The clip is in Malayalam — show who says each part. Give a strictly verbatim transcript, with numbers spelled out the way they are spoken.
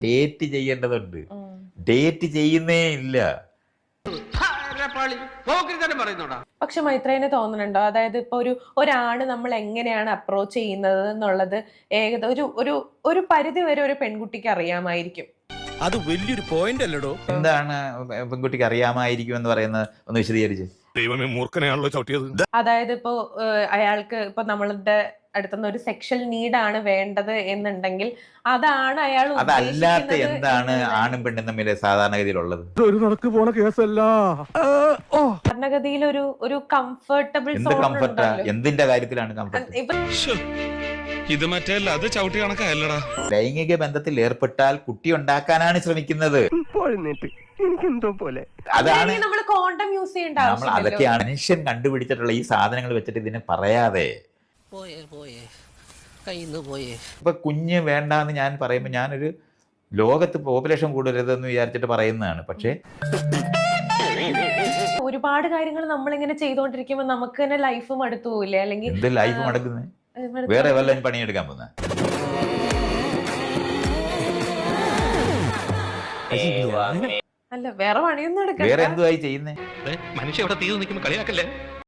Speaker 1: ഡേറ്റ് ചെയ്യേണ്ടതുണ്ട്. ഡേറ്റ് ചെയ്യുന്നേ ഇല്ല.
Speaker 2: പക്ഷെ മൈത്രേനെ തോന്നുന്നുണ്ടോ, അതായത് ഇപ്പൊ ഒരു ഒരാണ് നമ്മൾ എങ്ങനെയാണ് അപ്രോച്ച് ചെയ്യുന്നത് എന്നുള്ളത് ഏകദേശം ഒരു ഒരു ഒരു പരിധി വരെ ഒരു പെൺകുട്ടിക്ക് അറിയാമായിരിക്കും.
Speaker 3: അത് വലിയൊരു പോയിന്റ് അല്ലടോ.
Speaker 1: എന്താണ് പെൺകുട്ടിക്ക് അറിയാമായിരിക്കും എന്ന് പറയുന്നത് ഒന്ന് വിശദീകരിച്ച്.
Speaker 3: ദൈവമേ, മൂർഖനെയാണല്ലോ ചവിട്ടിയത്.
Speaker 2: അതായത് ഇപ്പോ അയാൾക്ക് ഇപ്പൊ നമ്മളുടെ അടുത്തുനിന്ന് ഒരു സെക്ഷൽ നീഡാണ് വേണ്ടത് എന്നുണ്ടെങ്കിൽ അതാണ് അയാൾ
Speaker 1: അതല്ലാത്ത എന്താണ് ആണും പെണ്ണും തമ്മിൽ സാധാരണഗതിയിലുള്ളത്?
Speaker 3: ഒരു നടക്ക് പോണ കേസല്ല.
Speaker 2: സാധാരണഗതിയിൽ ഒരു ഒരു കംഫർട്ടബിൾ
Speaker 1: എന്ത് കംഫർട്ടാ? എന്തിന്റെ കാര്യത്തിലാണ് കംഫർട്ട്?
Speaker 3: ഇത് മറ്റേല്ല, അത് ചവിട്ടി കണക്കല്ലടാ.
Speaker 1: ലൈംഗിക ബന്ധത്തിൽ ഏർപ്പെട്ടാൽ കുട്ടി ഉണ്ടാക്കാനാണ് ശ്രമിക്കുന്നത്. അതാണ്
Speaker 2: നമ്മൾ കോണ്ടം യൂസ് ചെയ്യേണ്ട
Speaker 1: നമ്മൾ അതൊക്കെയാണ് മനുഷ്യൻ കണ്ടുപിടിച്ചിട്ടുള്ള ഈ സാധനങ്ങൾ വെച്ചിട്ട് ഇതിനെ പറയാതെ ഇപ്പൊ കുഞ്ഞ് വേണ്ടാന്ന് ഞാൻ പറയുമ്പോ ഞാനൊരു ലോകത്ത് പോപ്പുലേഷൻ കൂടരുതെന്ന് വിചാരിച്ചിട്ട് പറയുന്നതാണ്. പക്ഷെ
Speaker 2: ഒരുപാട് കാര്യങ്ങൾ നമ്മളിങ്ങനെ ചെയ്തോണ്ടിരിക്കുമ്പോ നമുക്ക് തന്നെ ലൈഫ് മടുത്തു പോവില്ലേ? അല്ലെങ്കിൽ
Speaker 1: എന്ത് ലൈഫ് മടക്കുന്നത്? വേറെ വല്ലതും പണിയെടുക്കാൻ പോകുന്ന
Speaker 2: അല്ല, വേറെ പണിയൊന്നും എടുക്കാം.
Speaker 1: വേറെ എന്തുവായി ചെയ്യുന്നേ?
Speaker 3: മനുഷ്യ ഇവിടെ തീ നിൽക്കുമ്പോ കളിയാക്കല്ലേ.